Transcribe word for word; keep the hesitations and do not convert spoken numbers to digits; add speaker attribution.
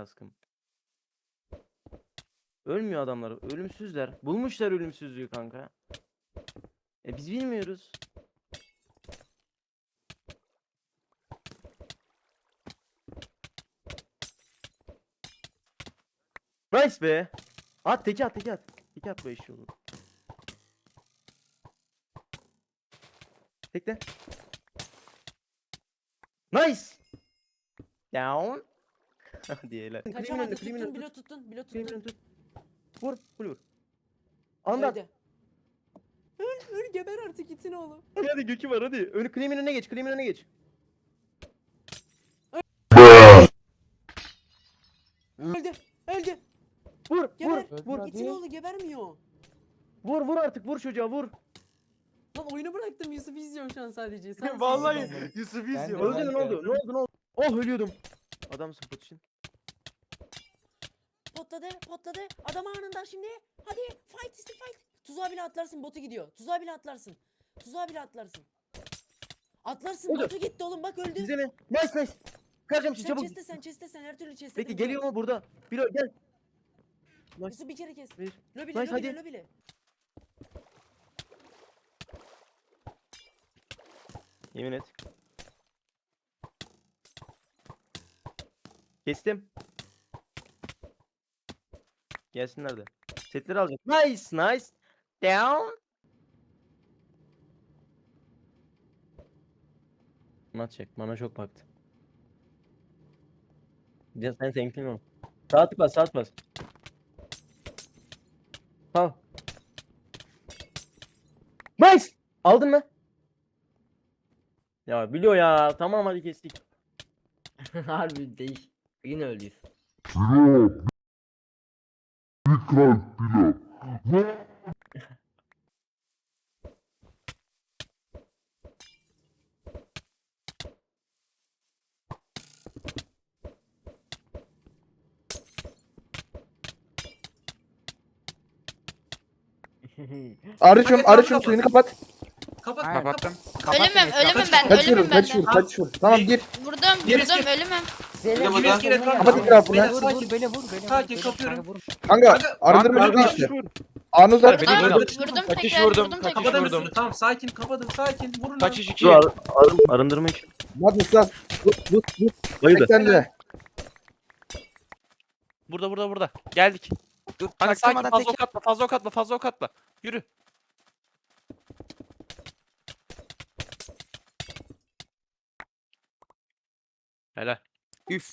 Speaker 1: kaskım. Ölmüyor adamlar. Ölümsüzler. Bulmuşlar ölümsüzlüğü kanka. E biz bilmiyoruz. Nice be. At teki at teki at. Teki at bu eşi olur. Tekle. Nice. Down. Diyeler.
Speaker 2: Kaçamadı, tuttun, bilo tuttun, bilo tuttun.
Speaker 1: Tut. Vur, vur, vur. Anlat.
Speaker 2: Öldü. Öl, öl, geber artık itin oğlum.
Speaker 1: Hadi hadi Gökü var hadi. Önü Cream'in önüne geç, Cream'in önüne geç.
Speaker 2: Öldü, öldü.
Speaker 1: Vur,
Speaker 2: Geber.
Speaker 1: vur, vur.
Speaker 2: İtin oğlu gebermiyor.
Speaker 1: Vur, vur artık, vur çocuğa, vur.
Speaker 2: Lan oyunu bıraktım, Yusuf izliyorum şu an sadece. Sen
Speaker 1: Vallahi
Speaker 2: izliyorsun.
Speaker 1: Yusuf
Speaker 3: Ben
Speaker 1: izliyor.
Speaker 3: de,
Speaker 1: Öldü
Speaker 3: ben
Speaker 1: mü?
Speaker 3: de.
Speaker 1: Ne oldu? Ne oldu? Ne oldu? Oh ölüyordum. Adamsın Potişin.
Speaker 2: Potladı, potladı. Adam anında şimdi. Hadi, fight isti fight. Tuzağa bile atlarsın, botu gidiyor. Tuzağa bile atlarsın. Tuzağa bile atlarsın. Atlarsın,
Speaker 1: Oldu.
Speaker 2: botu gitti oğlum bak öldü.
Speaker 1: İzle mi? Nice nice. Kaçacağım şimdi
Speaker 2: Sen
Speaker 1: çabuk.
Speaker 2: chest'e sen, chest'e sen, her türlü chest'e.
Speaker 1: Peki geliyor mu burada? Bilo gel. Nice.
Speaker 2: Yusuf bir kere kes.
Speaker 1: Bir.
Speaker 2: Lobile,
Speaker 1: Nice,
Speaker 2: lobile,
Speaker 1: hadi.
Speaker 2: lobile.
Speaker 1: Yemin et. Kestim. Gelsinler de. Setleri alacak. Nice nice. Down. Mana çek. Mana çok baktı. Ya sen senkli mi? Sağ tık bas, sağ tık bas. Tamam. Nice. Aldın mı? Ya biliyor ya. Tamam hadi kestik.
Speaker 3: Harbi değiş. Yine öldüyüz.
Speaker 4: Arıçım, arıçım suyunu kapat.
Speaker 5: Kapat,
Speaker 3: Aynen.
Speaker 5: kapat.
Speaker 6: Kapattım.
Speaker 7: Ölümüm, ölümüm ben,
Speaker 4: Kaçıyorum,
Speaker 7: ölümüm ben.
Speaker 4: kaçıyorum, kaçıyorum. Tamam gir.
Speaker 7: Vurdum,
Speaker 5: Gerisi-
Speaker 7: vurdum, ölümüm.
Speaker 3: Zeynep
Speaker 5: Bir kere etrafına
Speaker 4: Kapat
Speaker 5: bak.
Speaker 4: etrafını.
Speaker 5: Beyler,
Speaker 3: Vur
Speaker 5: sakin.
Speaker 3: vur beni vur beni.
Speaker 5: Sakin,
Speaker 3: vur, beni
Speaker 5: kapıyorum.
Speaker 3: kanka, vur.
Speaker 4: Kanka,
Speaker 5: Kanka,
Speaker 4: arındırma
Speaker 6: kanka,
Speaker 4: suyunu işte. Anı uzat.
Speaker 7: Vurdum,
Speaker 6: Beni vurdum.
Speaker 7: vurdum
Speaker 6: Kaçış
Speaker 7: tekrar,
Speaker 6: vurdum,
Speaker 7: vurdum
Speaker 6: kaçış
Speaker 7: tekrar.
Speaker 5: Kapadım
Speaker 6: vurdum.
Speaker 5: üstünü. Tamam, sakin, kapadım, sakin. Vurun lan.
Speaker 6: Kaçış iki.
Speaker 1: Dur ar arın arındırma için.
Speaker 4: Hadi ıslat. Tut, tut, tut.
Speaker 1: Bayıldı.
Speaker 4: Tek sende.
Speaker 6: Burada burada burada. Geldik.
Speaker 3: Dur
Speaker 6: Hani sakin,
Speaker 3: çaktırmadan
Speaker 6: fazla
Speaker 3: tek
Speaker 6: ok atma, fazla ok atma, fazla ok atma. Yürü. Helal.
Speaker 3: Üf